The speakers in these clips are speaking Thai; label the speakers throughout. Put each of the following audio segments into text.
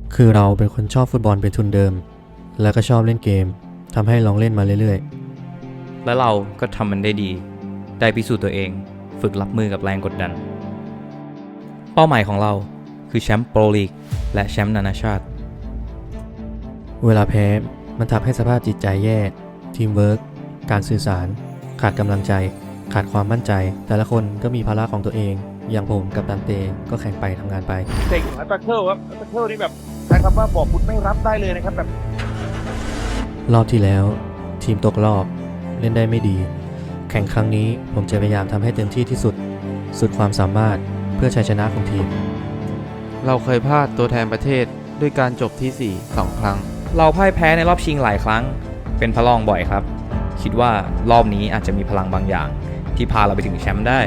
Speaker 1: คือเราเป็นคนชอบฟุตบอลเป็นทุนเดิมแล้วก็ชอบเล่นเกมทำให้ลองเล่นมาเรื่อย
Speaker 2: และเราก็ทำมันได้ดี ได้พิสูจน์ตัวเอง ฝึกรับมือกับแรงกดดัน เป้าหมายของเราคือแชมป์โปรลีกและแชมป์นานาชาติ
Speaker 1: ๆเวลาแพ้มันทำให้สภาพจิตใจแย่ทีมเวิร์กการสื่อสารขาดกำลังใจขาดความมั่นใจแต่ละคนก็มีภาระของตัวเองอย่างผมกับดันเต้ก็แข่งไปทำงานไป
Speaker 3: เก่งอัตเคิลครับอัตเคิลนี่แบบใช้คำว่าบอกบุญไม่รับได้เลยนะครับแบบ
Speaker 1: รอบที่แล้วทีมตกรอบเล่นได้ไม่ดีแข่งครั้งนี้ผมจะพยายามทำให้เต็มที่ที่สุดสุดความสามารถเพื่อชัยชนะของทีม
Speaker 4: เราเคยพลาดตัวแทนประเทศด้วยการจบที่ 4 2 ครั้ง
Speaker 2: เราพ่ายแพ้ในรอบชิงหลายครั้ง เป็นพระรองบ่อยครับ คิดว่ารอบนี้อาจจะมีพลังบางอย่าง ที่พาเราไปถึงแชมป์ได้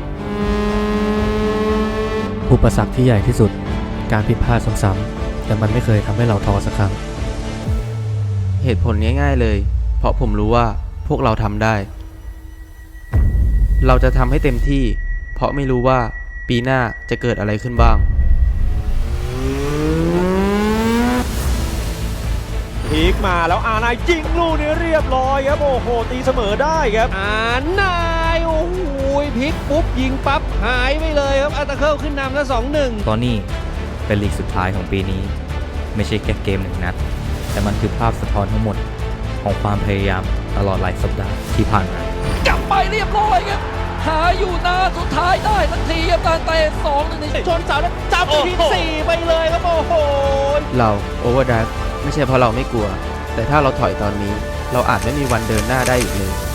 Speaker 1: อุปสรรคที่ใหญ่ที่สุดการผิดพลาดซ้ำๆแต่มันไม่เคยทำให้เราท้อสักครั้ง
Speaker 4: เหตุผลง่ายๆเลย เพราะผมรู้ว่าพวกเราทำได้ เราจะทำให้เต็มที่ เพราะไม่รู้ว่าปีหน้าจะเกิดอะไรขึ้นบ้าง
Speaker 3: พีกมาแล้วนายยิงลูกนี้เรียบร้อยครับโอ้โหตีเสมอได้ครับนายโอ้โหพลิกปุ๊บยิงปั๊บหายไปเลยครับอัตเคิลขึ้นนำแล้ว 2-1
Speaker 2: ตอนนี้เป็นลีกสุดท้ายของปีนี้ ไม่ใช่แค่เกมหนึ่งนัด แต่มันคือภาพสะท้อนทั้งหมดของความพยายามตลอดหลายสัปดาห์ที่ผ่านมาก
Speaker 5: ลับไปเรียบร้อยครับหาอยู่นานสุดท้ายได้ทันทีครับการเตะ2-1
Speaker 3: ชนเสาแล้วจับไปที่4ไปเลยครับโอ้โห
Speaker 4: เราโอเวอร์ไดรฟ์ไม่ใช่เพราะเราไม่กลัว แต่ถ้าเราถอยตอนนี้เราอาจไม่มีวันเดินหน้าได้อีกเลย